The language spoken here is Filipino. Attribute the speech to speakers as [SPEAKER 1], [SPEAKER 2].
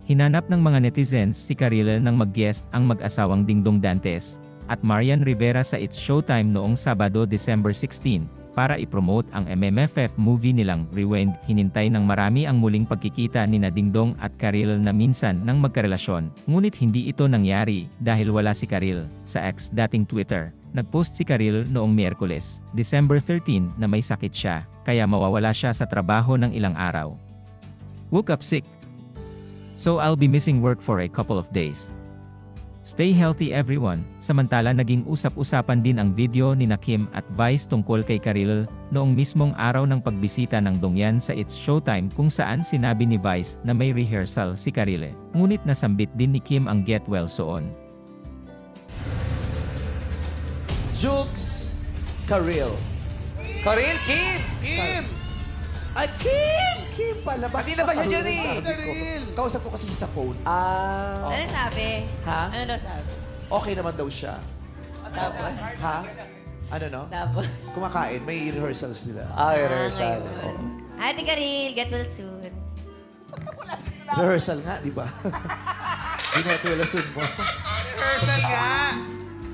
[SPEAKER 1] Hinanap ng mga netizens si Karil nang mag-guest ang mag-asawang Dingdong Dantes at Marian Rivera sa It's Showtime noong Sabado, December 16, para i-promote ang MMFF movie nilang Rewind. Hinintay ng marami ang muling pagkikita ni Dingdong at Karil na minsan nang magkarelasyon, ngunit hindi ito nangyari dahil wala si Karil. Sa X dating Twitter, nagpost si Karil noong Miyerkules, December 13 na may sakit siya, kaya mawawala siya sa trabaho ng ilang araw. Woke up sick. So I'll be missing work for a couple of days. Stay healthy everyone. Samantala naging usap-usapan din ang video ni Kim at Vice tungkol kay Karil noong mismong araw ng pagbisita ng Dongyan sa It's Showtime kung saan sinabi ni Vice na may rehearsal si Karil. Ngunit nasambit din ni Kim ang get well soon.
[SPEAKER 2] Jukes, Karil.
[SPEAKER 3] Karil, Kim!
[SPEAKER 2] Ay, Kim! Kim pala.
[SPEAKER 3] Pati na ba siya dyan eh?
[SPEAKER 2] Sabi ko.
[SPEAKER 3] Karil!
[SPEAKER 2] Kausap ko kasi siya sa phone.
[SPEAKER 4] Ano sabi?
[SPEAKER 2] Ha?
[SPEAKER 4] Ano daw sabi?
[SPEAKER 2] Okay naman daw siya.
[SPEAKER 4] Tapos?
[SPEAKER 2] Ha? Ano no?
[SPEAKER 4] Tapos?
[SPEAKER 2] Kumakain. May rehearsals nila.
[SPEAKER 3] Rehearsal.
[SPEAKER 4] Hi, Ate Karil. Get well soon.
[SPEAKER 2] Rehearsal nga, di ba? Binetwelasun mo.
[SPEAKER 3] Rehearsal nga!